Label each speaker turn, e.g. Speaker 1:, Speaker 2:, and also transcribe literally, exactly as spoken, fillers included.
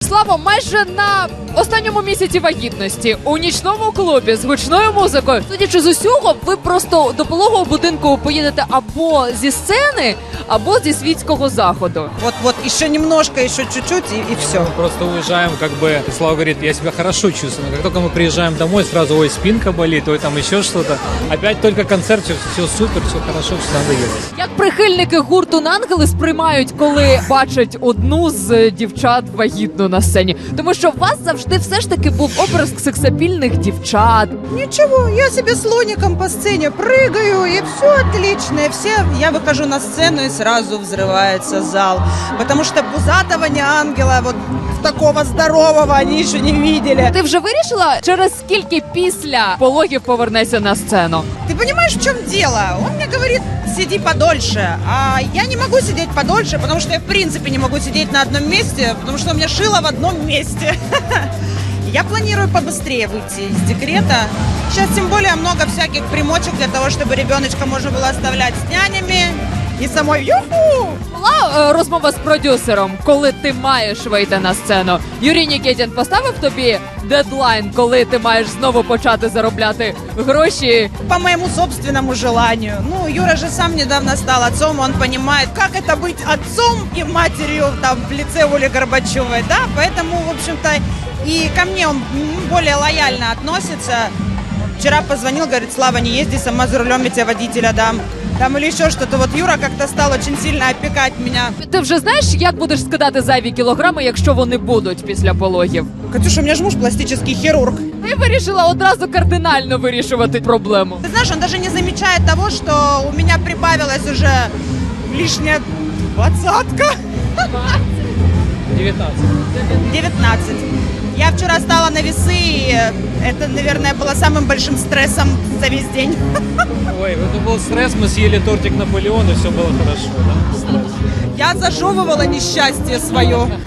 Speaker 1: Слава, майже на останньому місяці вагітності у нічному клубі з гучною музикою. Судячи з усього, ви просто до пологового будинку поїдете або зі сцени, або зі світського заходу.
Speaker 2: Вот-вот, еще немножко, еще чуть-чуть и, и все.
Speaker 3: Мы просто уезжаем, как бы, и Слава говорит, я себя хорошо чувствую, но как только мы приезжаем домой, сразу, ой, спинка болит, ой, там еще что-то. Опять только концерт, все, все супер, все хорошо, все надо ехать.
Speaker 1: Як прихильники гурту «Ангели» сприймають, коли бачать одну з дівчат вагітну на сцені? Тому що у вас завжди все ж таки був образ сексапільних дівчат.
Speaker 2: Ничего, я себе слоником по сцене прыгаю, и все отлично. И все, я выхожу на сцену, и сразу взрывается зал. Потому что пузатого не ангела, вот такого здорового они еще не видели.
Speaker 1: Ти вже вирішила, через скільки після пологів повернешся на сцену?
Speaker 2: Ты понимаешь, в чем дело? Он мне говорит, сиди подольше. А я не могу сидеть подольше, потому что я в принципе не могу сидеть на одном месте, потому что у меня шило в одном месте. Я планирую побыстрее выйти из декрета. Сейчас тем более много всяких примочек для того, чтобы ребеночка можно было оставлять с нянями. И самой юху!
Speaker 1: Була е, розмова з продюсером, коли ти маєш вийти на сцену. Юрій Нікітін поставив тобі дедлайн, коли ти маєш знову почати заробляти гроші.
Speaker 2: По моему собственному желанию. Ну, Юра же сам недавно стал отцом, он понимает, как это быть отцом и матерью там в лице Оли Горбачевой, да, поэтому, в общем-то, и ко мне он м, более лояльно относится. Вчера позвонил, говорит, Слава, не езди, сама за рулем, я тебе водителя дам. Там или еще что-то. Вот Юра как-то стал очень сильно опекать меня.
Speaker 1: Ти вже знаєш, як будеш скидати зайві кілограми, якщо вони будуть після пологів?
Speaker 2: Катюша, у меня же муж пластический хирург.
Speaker 1: Ти вирішила одразу кардинально вирішувати проблему.
Speaker 2: Ты знаешь, он даже не замечает того, что у меня прибавилась уже лишняя двадцатка.
Speaker 3: девятнадцать.
Speaker 2: девятнадцать. Я вчера стала на весы, и это, наверное, было самым большим стрессом за весь день.
Speaker 3: Ой, это был стресс, мы съели тортик Наполеон, и все было хорошо, да? Стресс.
Speaker 2: Я зажевывала несчастье свое.